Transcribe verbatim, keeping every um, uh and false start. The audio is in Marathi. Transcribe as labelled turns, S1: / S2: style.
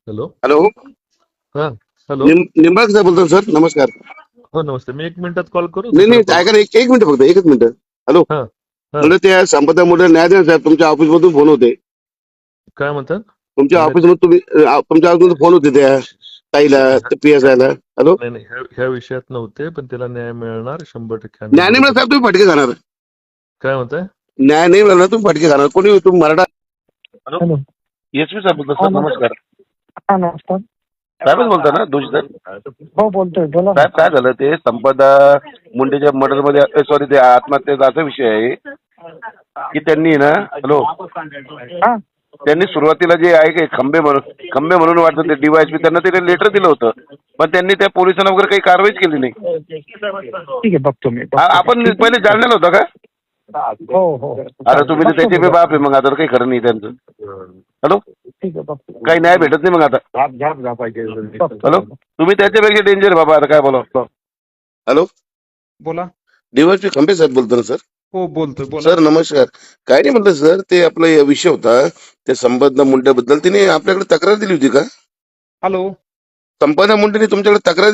S1: हॅलो.
S2: हॅलो.
S1: हा. हॅलो.
S2: निंबाळकर साहेब बोलतो सर, नमस्कार.
S1: हो नमस्ते. मी एक मिनिटात कॉल करू
S2: नाही
S1: दुसरा
S2: नाही
S1: कॉल.
S2: ऐका ना, एक एक मिनिट फक्त एकच मिनिट. हॅलो.
S1: हा हा
S2: म्हणजे त्या संपदा मुळे न्याय देणार साहेब, तुमच्या ऑफिस मधून फोन होते.
S1: काय म्हणतात?
S2: तुमच्या
S1: नाही
S2: ऑफिस मधून तुम्ही अ, तुमच्या ऑफिस मधून फोन होते त्या ताईला, पी एस आयला. हॅलो.
S1: नाही नाही ह्या ह्या विषयात नव्हते, पण त्याला न्याय मिळणार शंभर टक्के. आम्ही
S2: न्याय नाही मिळाला
S1: बरोबर.
S2: साहेब, तुम्ही फटके खाणार.
S1: काय म्हणताय?
S2: न्याय नाही मिळाला तुम्ही फटके खाणार. कोणी तुम्ही Maratha. Hello.
S3: Hello.
S2: S P साहेब बोलतो
S3: हा
S2: सर,
S3: नम-
S2: नमस्कार.
S3: हा नमस्कार.
S2: साहेबच बोलता ना, दोषी साहेब?
S3: हो बोलतोय, बोला ना.
S2: साहेब काय झालं, ते संपदा मुंडेच्या मर्डर मध्ये, सॉरी ते आत्महत्येचा असा विषय आहे की त्यांनी ना, हॅलो,
S3: हा
S2: त्यांनी सुरुवातीला जे आहे की खंबे म्हणून खंबे म्हणून वाटतं ते डीवायएसपी त्यांना ते लेटर दिलं होतं, पण त्यांनी त्या पोलिसांना वगैरे काही कारवाईच केली नाही.
S3: ठीक आहे, बघतो मी
S2: आ-
S3: बघतो.
S2: आपण
S3: ठीक आहे.
S2: पहिले जाणलेलं होतं का?
S3: हो हो
S2: अरे तुम्ही तर
S3: बघतो
S2: त्याचे
S3: मी,
S2: बी बाप आहे, मग आता काही खरं नाही त्यांचं. हॅलो.
S3: ठीक आहे बघतो.
S2: काही न्याय भेटत नाही मग आता.
S3: बघतो.
S2: हॅलो. तुम्ही त्याच्यापेक्षा डेंजर बाबा, आता काय बोला. हॅलो.
S4: बोला.
S2: डीवायएसपी खंबे साहेब बोलतो ना सर?
S4: हो बोलतोय, बोला.
S2: सर नमस्कार. काय नाही म्हटलं सर, ते आपला या विषय होता त्या संपदा मुंडेबद्दल, तिने आपल्याकडे तक्रार दिली होती का?
S4: हॅलो.
S2: संपदा मुंडेने तुमच्याकडे तक्रार